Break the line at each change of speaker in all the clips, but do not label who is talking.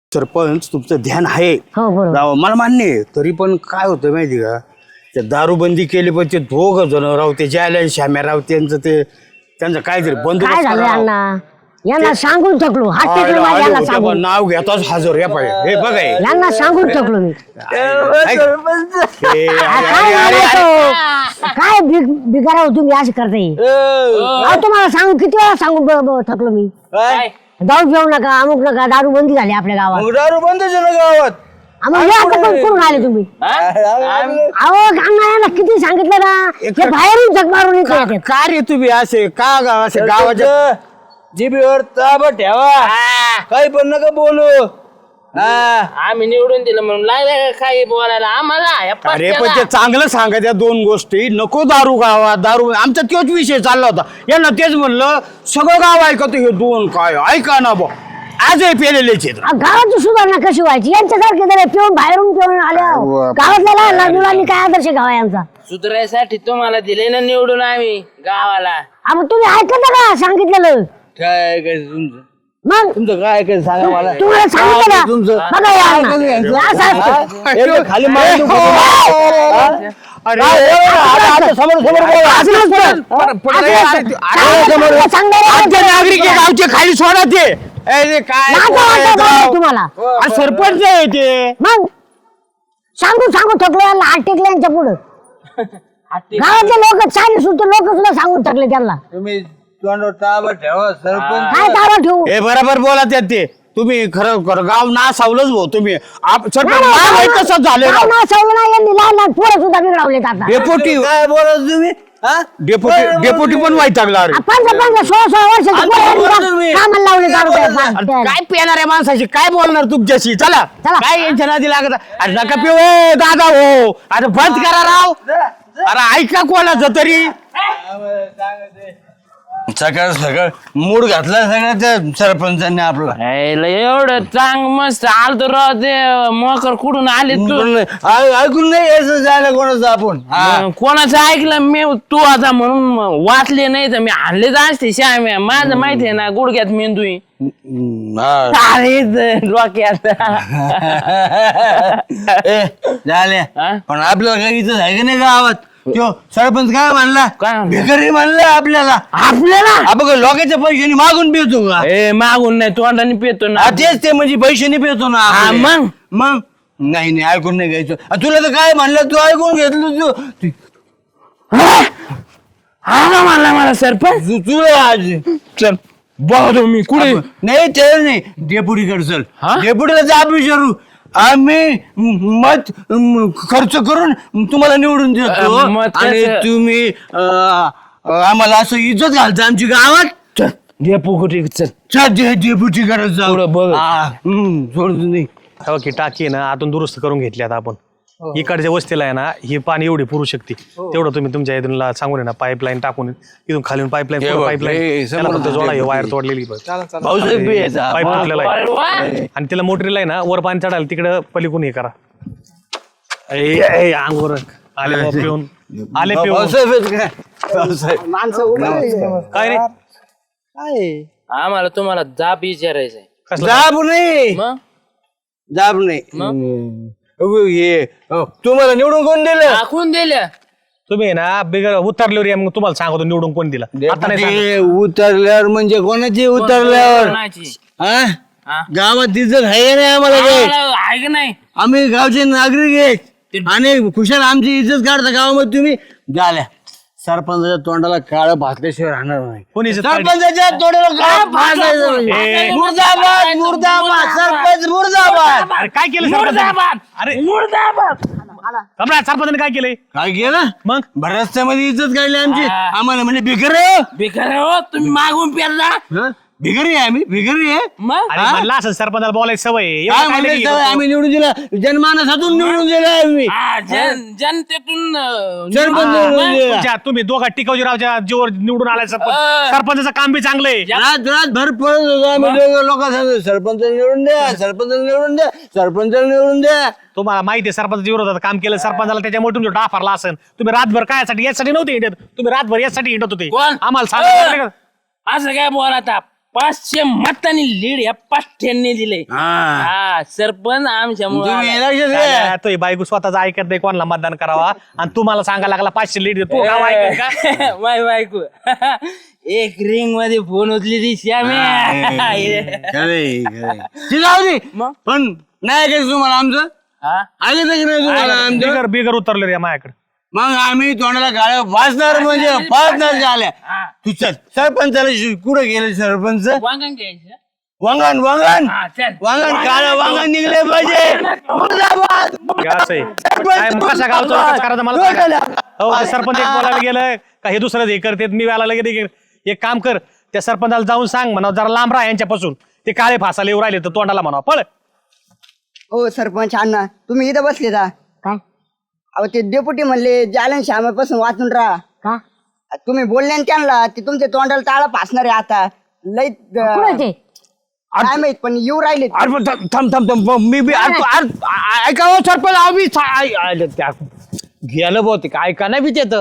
सरपंच तुमचं ध्यान आहे
हो बरोबर
राव, मला मान्य आहे. तरी पण काय होतं माहिती का, ते दारूबंदी केली पण ते दोघ जण राव ते जायला श्याम्या राव त्यांचं काहीतरी
काय
बंदोबस्त
झालं
करा राव.
यांना यांना सांगून थकलो हात टेकलो माझ्या यांना सांगून
नाव घेताच हजर या पाहिजे हे बघा हे.
यांना सांगून थकलो मी
ऐक. हे,
काय म्हणायचं? काय बिगारा हो तुम्ही असं करताय अहो तुम्हाला सांगू किती वेळा सांगून थकलो मी दारू पिऊ नका अमुक नका दारू बंदी झाली आपल्या गावात
दारू बंद झालं गावात.
मग हे आता कुठून आले तुम्ही अहो यांना किती सांगितलं ना हे बाहेरून झक मारून येतात.
का रे तुम्ही असे का असे गावाच्या
जिबीवर ताबा ठेवा काही पण नका बोलू.
आम्ही निवडून दिलं म्हणून लागलं काही बोलायला आम्हाला या
अरे पण
पट्ट्याला.
ते चांगलं सांगा त्या दोन गोष्टी नको दारू गावात दारू आमचा तोच विषय चालला होता यांना तेच म्हणलं सगळं गाव ऐकत हे दोन काय ऐका ना बा आजही पेलेले
गावाची सुधारणा कशी व्हायची यांच्यासारखे जर पिऊन बाहेरून पिऊन आल्या गावातल्या लहान मुलांनी काय आदर्श घ्यावा यांचा
सुधारायसाठी तुम्हाला दिले ना निवडून आम्ही गावाला.
मग तुम्ही ऐकत का सांगितलेलं
काय ऐकायचं तुमचं
मग
तुमचं काय ऐकायचं सांगा मला.
तुम्हाला सांगितलं
काय
ना
तुमचं?
बघा यांना. असं असतं.
एकदा खाली मारून देऊ.
अरे
आता समोर समोर बोला.
असं नसतं. सांगितलं, सांगणारे
आमचे नागरिक आहे, गावचे खाली सोडा ते अरे काय
लाजा वाटतं
राव.
तुम्हाला
अरे सरपंच आहे ते
मग सांगून थकलो यांना हात टेकले यांच्या पुढं गावातले लोक चायनी सुद्धा लोक सुद्धा सांगून थकले त्यांना
तुम्ही तोंडावर ताबा ठेवा सरपंच.
काय तारा ठेवू
हे बरोबर बोला त्यात ते तुम्ही खरं गाव ना सावलंच भाऊ तुम्ही सरपंच
नाही,
नाव आहे
नाही,
तसंच झालं
गाव ना सवलं नाही यांनी लहान लहान पोरं सुद्धा बिघडवलेत आता
डेपोटी
काय बोलत तुम्ही हा?
डेपोटी पण वैतागला अरे
16 वर्षाची पोरं यांनी
तुम्ही.
कामाला लावले दारू
अरे
प्यायला.
काय पेणार आहे माणसाशी काय बोलणार तुमच्याशी चला
चला.
काय यांच्या नादी लागत अरे नका पिऊ ए, दादा हो अरे बंद करा राव अरे ऐका कोणाचं तरी
सकाळ सकाळ मूड घातला सगळ्या त्या सरपंचांनी आपला.
यायला एवढं चांग मस्त आलतो राव ते मोकर कुठून आले तू
ऐकून नाही यायचं जायला कोणाचं आपण.
कोणाचं ऐकलं मी तू आता म्हणून वाचले नाही तर मी आणलेच असते श्याम्या माझं माहिती आहे ना गुडघ्यात मेंदू आहे. अरे डोक्यात
झाले
हा?
पण आपल्याला काही इथं आहे का नाही गावात तो सरपंच काय म्हणला
काय म्हणला?
भिकारी म्हणला आपल्याला बघ लोकांच्या पैशाने मागून पितो का
ए मागून नाही तोंडाने पेतो ना
तेच ते म्हणजे पैशाने पितो ना
हा,
आपले.
मग?
मग नाही ऐकून नाही घ्यायचं तुला तर काय म्हणलं तू ऐकून घेतलं
हा म्हणला मला सरपंच
तुला आज
चल बघतो मी कुठे
नाही ते नाही डेपुटीकडे चल
हा?
डेपुटीला जा विचारू आम्ही मत खर्च करून तुम्हाला निवडून देतो
मत
आणि
कसं?
तुम्ही आम्हाला असं इज्जत घालता आमची गावात
डेपू कुठे चल
डेपुटीकडे जाऊ
पुढं बघ.
सोडतो नाही
हो की टाकी आहे ना आतून दुरुस्त करून घेतली आता आपण इकडच्या वस्तीला आहे ना ही पाणी एवढी पुरू शकते तेवढं तुम्ही तुमच्या इथून सांगून आहे ना पाईपलाईन टाकून इथून खालून पाईपलाईन
हे बघ, हे
पाईपलाईन
समोर
जोडा हे वायर तोडलेली
भाऊसाहेब बी यायचा.
पाईप तुटलेला आहे आणि त्याला मोटरीला आहे ना वर पाणी चढायला तिकडं पलीकडून हे करा अंगोर आले बा पिऊन आले पिऊन
भाऊसाहेब आहेत काय? भाऊसाहेब.
काय रे
आम्हाला तुम्हाला जाब विचारायचंय
कसलं
जाब नाही
मग
जाब नाही हे तुम्हाला निवडून कोण दिलं
टाकून दिल्या
तुम्ही आहे ना बिगर उतरल्यावर या मग तुम्हाला सांगतो निवडून कोण दिला आता नाही सांगत.
ते उतरल्यावर म्हणजे कोणाची उतरल्यावर
कोणाची?
हा?
हा?
गावात इज्जत आहे नाही आम्हाला काही.
आम्हाला आहे का नाही
आम्ही गावचे नागरिक आहेत आणि खुशाल आमची इज्जत काढता गावामध्ये तुम्ही झाल्या सरपंचाच्या तोंडाला काळ भासल्याशिवाय राहणार नाही
कोणी इज्जत काढली?
सरपंचाच्या तोंडाला काळ भासायचं नाही. मुर्दाबाद मुर्दाबाद सरपंच मुर्दाबाद.
अरे काय केलं सरपंचाने? अरे सम्राट सरपंचाने काय केलंय
काय केलं
मग
बरं रस्त्यामध्ये इज्जत काढली आमची आम्हाला म्हणजे भिकारी आहे.
बेकार हो तुम्ही मागून पेरला
हं? भिकारी आहे आम्ही भिकारी आहे
मग
अरे म्हणलं असं सरपंचाला बोलायची सवय आहे. एवढं
काय
काय
म्हणले
लगी?
आम्ही निवडून दिला जनमानसातून निवडून दिला आम्ही
हा, जनतेतून
सरपंच निवडून दिला.
तुमच्या तुम्ही दोघा टिकावजीरावच्या जीवर निवडून आलाय सरपंच सरपंचाचं काम बी चांगलं आहे
रात भर पळत होतो आम्ही लोकांना सरपंच निवडून द्या सरपंच निवडून द्या सरपंच निवडून द्या.
तुम्हाला माहिती आहे सरपंचाच्या विरोधात काम केलं सरपंचाला त्याच्यामुळे तुमच्या डाफारला असेल तुम्ही रातभर काय यासाठी नव्हते हिंडत तुम्ही रातभर यासाठी हिंडत होते
कोण?
आम्हाला सांगा
असं काय बोला ताप 500 मतांनी लीड या पाठ्यांनी दिले. हा सरपंच आमच्यामुळे
तुम्ही लक्षात घ्या.
तो ही बायको स्वतःच ऐकत नाही कोणाला मतदान करावा आणि तुम्हाला सांगायला लागला 500 लीड देतो गाव ऐकेल का?
माय बायको एक रिंग मध्ये फोन उचली ती श्याम्या.
खरंय, खरंय. ती जाऊ दे.
मग?
पण नाही ऐकायचं तुम्हाला आमचं
हा?
ऐकायचं की नाही तुम्हाला आमचं
बिगर बिगर उतरले रे माझ्याकडे.
मग आम्ही तोंडाला गाळ्या वाचणार म्हणजे पाचणार झाल्या. तू चल सरपंचाला कुठं गेले सरपंच?
वांगण घ्यायचं.
वांगण वांगण
हा, चल.
वांगण काळं वांगण निघले पाहिजे. मुर्दाबाद.
हे असं आहे. काय मग कशा गावचं विकास करायचं मला सांगा. हो ते सरपंच एक बोलायला गेलं का हे दुसरं हे करते मी व्याला गेले. एक काम कर त्या सरपंचाला जाऊन सांग म्हणा जरा लांब राहा यांच्यापासून. ते काळे फासाला येऊ राहिले तर तोंडाला म्हणा पळ.
हो सरपंच अण्णा तुम्ही इथं बसले का?
काय
अहो ते डेप्युटी म्हणले जालन श्यामापासून वाचून राहा.
का
तुम्ही बोलले ना त्यांना ते तुमच्या तोंडाला टाळा फासणार आहे आता लई
कुठं ते
काय माहित पण येऊ राहिले
अरे पण थांब थांब थांब मी बी ऐका हो सरपंच आम्ही त्या गेलं बहुतेक ऐका नाही बी त्याचं.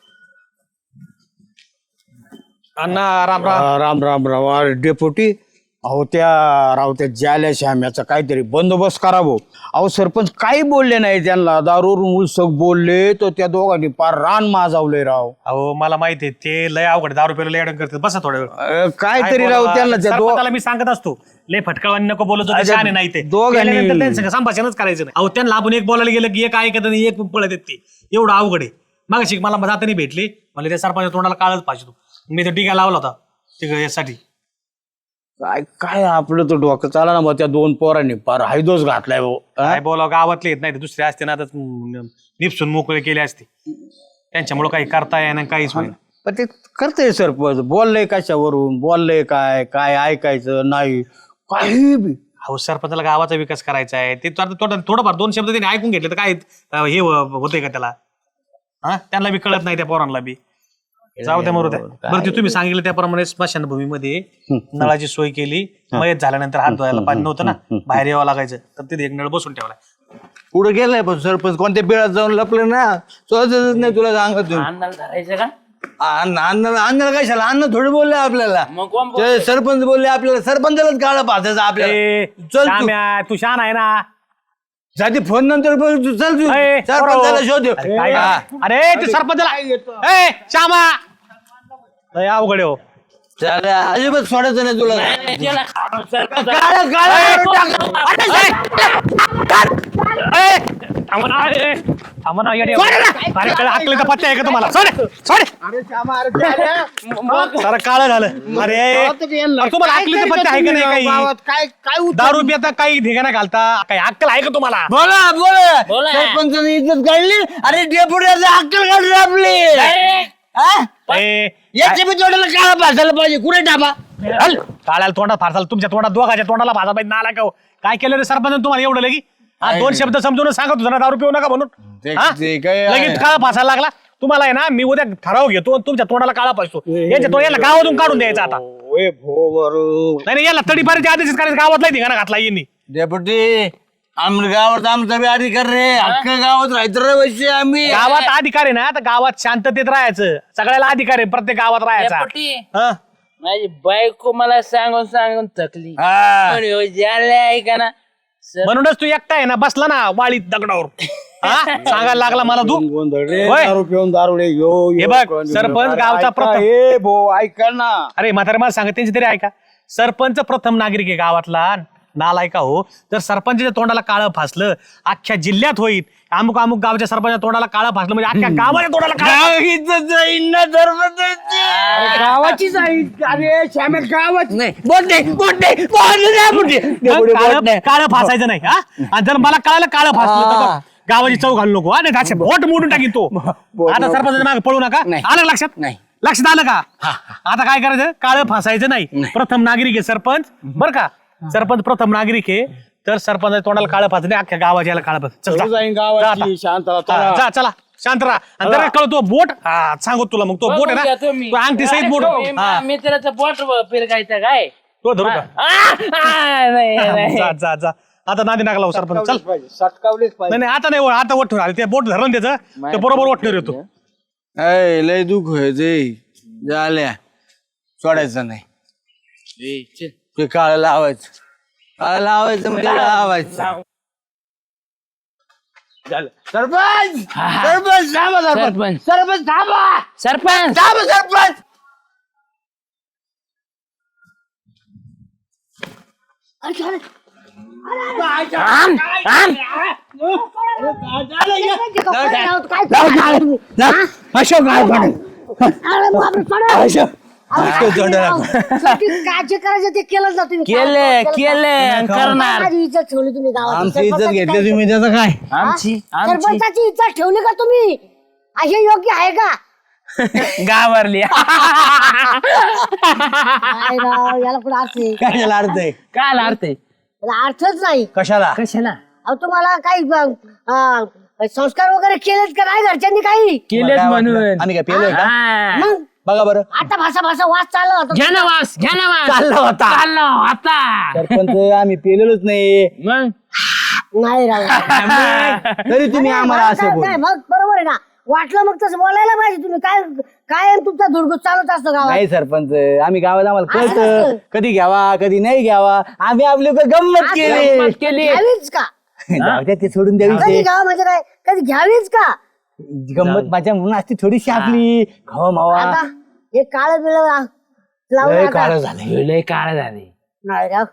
अण्णा राम राम.
राम राम राम अरे डेपुटी अहो त्या राव त्या जाल्या श्याम्याचा काहीतरी बंदोबस्त करावं. अहो सरपंच काही बोलले नाही त्यांना दारूवरून उलसक बोलले तर त्या दोघांनी पार रान माजावले राव.
अहो मला माहिती आहे ते लय अवघड 10 रुपयाला लय अडंग करतात. बसा थोड्या वेळ.
काहीतरी राव त्यांना त्या
सरपंचाला मी सांगत असतो लय फटकावानी नको बोलत होते शहाणे नाही ते
दोघांनी-
गेल्यानंतर त्यांचं संभाषणच करायचं नाही. अहो त्यांना आपण एक बोलायला गेलं की एक ऐकत नाही एक पळत येत ते एवढं अवघड आहे. मग मला जाताना भेटले मला त्या सरपंच तोंडाला काळच पाहिजे. मी तो टिका लावला होता ते यासाठी.
काय काय आपलं तर डोकं चाला ना मग त्या दोन पोरांनी पार हायदोस घातलाय भाऊ.
काय बोलावं गावातले येत नाही ते दुसरे असते ना आता निपसून मोकळे केले असते त्यांच्यामुळे काही करता येणार काहीच होईल.
पण ते करतंय सरपंच बोललंय कशावरून बोललंय काय काय ऐकायचं नाही काही बी.
अहो सरपंचाला गावाचा विकास करायचा आहे ते थोडंफार 2 शब्द त्यांनी ऐकून घेतले तर काय हे होतंय का त्याला. हा त्यांना बी कळत नाही त्या पोरांना बी. जाऊ द्या मरू द्या. बरं ते तुम्ही सांगितलं त्याप्रमाणे स्मशानभूमीमध्ये नळाची सोय केली. मयत झाल्यानंतर हात धुवायला पाणी नव्हतं ना बाहेर यावं लागायचं तर तिथे एक नळ बसून ठेवला.
पुढे गेलाय पण सरपंच कोणत्या बिळात जाऊन लपलं ना सहजच नाही तुला सांगत तुम्ही.
अन्नाला धरायचं का?
अण्णाला कशाला अन्न थोडे बोलले आपल्याला.
मग कोण
ते सरपंच बोलले आपल्याला सरपंचालाच काळा पाहायचं आपल्याला. चल तू.
श्याम्या, तू शान आहे ना.
जाती फोन नंतर बोल तू. चल तू
ए,
सरपंचाला शोध.
काय अरे ते सरपंचाला ए श्यामा लय अवघड आहे हो.
अजिबात सोडायचं नाही तुला.
त्याला खाणं सरपंच.
काळं-
हाकलेचा पत्ता आहे का तुम्हाला सारं काळ झालं. अरे तुम्हाला हाकलेचा पत्ता आहे का नाही काही
काय
दारू पिता काही ठिकाणा घालता काही अक्कल आहे का तुम्हाला.
बोला बोला
बोला.
सरपंचाने इज्जत काढली. अरे डेपुट्याचं अक्कल काढली आपली. हा?
ए,
याच्या बी तोंडाला काळा भासायला पाहिजे. कुठे डाबा
हल, काळ्याला तोंडात फारसाल तुमच्या तोंडात दोघाच्या तोंडाला भासा पाहिजे नाला का हो? काय केलं रे सरपंच तुम्हाला एवढं लगी 2 शब्द समजून सांगत होता ना दारू पिऊ नका म्हणून. हा?
ते काय-
लगेच काळा फासायला लागला तुम्हाला आहे ना. मी उद्या ठराव घेतो आणि तुमच्या तोंडाला काळा पासतो यांच्या तो याला गावातून काढून द्यायचा आता. नाही याला तडीपारीच्या आदेशच करायचं गावातला ठिकाणा घातला यांनी.
डेपुटी आमच्या गावात आमचा बी अधिकार रे. अख्ख्या गावात राहायचं रे वैसे आम्ही.
गावात अधिकार आहे ना तर गावात शांततेत राहायचं. सगळ्याला अधिकार आहे प्रत्येक गावात राहायचा.
डेपुटी,
हा?
माझी बायको मला सांगून थकली.
हा.
पण ह्यो जाल्या ऐका ना
म्हणूनच तू एकटा आहे ना बसला ना वाळीत दगडावर. हा? सांगायला लागला मला तू होय?
दारू पिऊन दारू
हे बघ, सरपंच गावचा प्रथम-
हे भो ऐका ना.
अरे म्हातारे मला सांगा त्यांची तरी ऐका. सरपंच प्रथम नागरिक आहे गावातला नालायका हो. जर सरपंचाच्या तोंडाला काळं फासलं अख्ख्या जिल्ह्यात होईल. अमुक अमुक गावच्या सरपंचाच्या तोंडाला काळं फासलं म्हणजे अख्ख्या गावाच्या तोंडाला काळं.
गाव इज्जत जाईन ना सरपंचाची.
गावाची जाईल अरे श्याम्या गावाची
नाही बोट नाही बोट नाही बोट नाही बोट नाही.
काळं काळं फासायचं नाही. हा? आणि जर मला कळालं काळं फासलं तर बघ, गावाची चव घालू नको. हा? नाही असे बोट मोडून टाकीन तो. आता सरपंचाच्या मागे पळू नका. आलं का लक्षात?
नाही.
लक्षात आलं का? आता काय करायचं काळं फासायचं नाही. प्रथम नागरिक आहे सरपंच बरं का. सरपंच प्रथम नागरिक आहे तर सरपंच तोंडाला काळं फासलं नाही अख्ख्या गावाच्या याला काळं फास. चल जा.
जाईन
जा आता.
गावाची शांतता
हा, जा चला शांत राहा. आणि जरा कळ तो बोट हा सांगू तुला मग तो बोट आहे ना तो अंगठी सहित बोट. हा
मित्राचं बोट फिरकायचं काय?
तो धरू का?
नाही नाही.
जा जा जा आता नादी नाका लावू सरपंच. चल
सटकावलेच पाहिजे.
नाही नाही आता नाही आता वठ आले ते बोट धरून त्याचं ते बरोबर वठणार येतो.
लय दुःख व्हायचे झाल्या सोडायचं नाही. ते काळ लावायचं काळ लावायचं म्हणजे लावायचं सरपंच सरपंच थांबा सरपंच सरपंच थांबा
सरपंच
थांबा सरपंच
आण, आण.
अशोक
काय करायचं ते केलं ना तुम्ही
केले करणार
माझी इज्जत ठेवली तुम्ही गावात
आमची इज्जत घेतली तुम्ही त्याचं काय
आमची
सरपंचाची इज्जत ठेवली का तुम्ही असे योग्य आहे का
गावरली
काय राव, याला कुठं अर्थ आहे?
काय त्याला अर्थ आहे
काय अर्थ आहे
याला अर्थच नाही
कशाला
कशाला
अहो तुम्हाला काही संस्कार वगैरे केलेत का नाही घरच्यांनी काही
केलेच म्हणून
आम्ही काय पेलोय का
हा.
मग
बघा बरं
आता भाषा वास चालला होता
घ्या ना वास घ्या ना वास
चालला होता
चालला आता
सरपंच आम्ही पेलेलोच नाही
मग
नाही राव
तरी तुम्ही आम्हाला असं बोल
नाही, मग बरोबर आहे ना वाटलं मग तसं बोलायला पाहिजे तुम्ही काय काय तुमचा धुडगूस चालत असतो गावात
नाही सरपंच आम्ही गावात आम्हाला
असं
कळतं
नसतं.
कधी घ्यावा कधी नाही घ्यावा आम्ही आपली गंमत केली
मग केली
घ्यावीच का
जाऊ द्या, ते सोडून
कधी
द्यावी
घ्यावं म्हणजे काय कधी घ्यावीच का
गंमत माझ्या म्हणून असती थोडीशी आपली खावा मावा
आता हे काळ बिळ लावून
लय
आता-
काळं झालं
लय काळ झाले
नाही राव.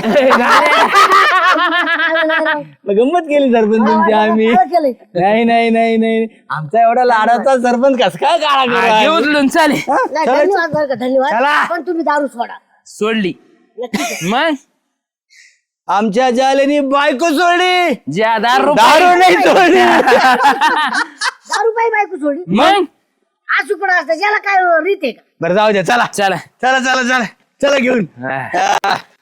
मग गंमत केली सरपंच तुमची आम्ही
काळं केलंय.
नाही नाही नाही नाही आमचा एवढा लाडाचा सरपंच कस काय काळा करू
घे
आम्ही?
उचलून चाले
नाही, धन्यवाद बरं का, धन्यवाद
चला.
पण तुम्ही दारू सोडा
सोडली मग
आमच्या जालेनी बायको सोडली
ज्या
दारू नाही सोडली
दारू पायी बायको सोडली
मग
असं पण असतं याला काय रीत आहे का
बरं जाऊ द्या चला
चला
चला चला चला चला घेऊन
हा.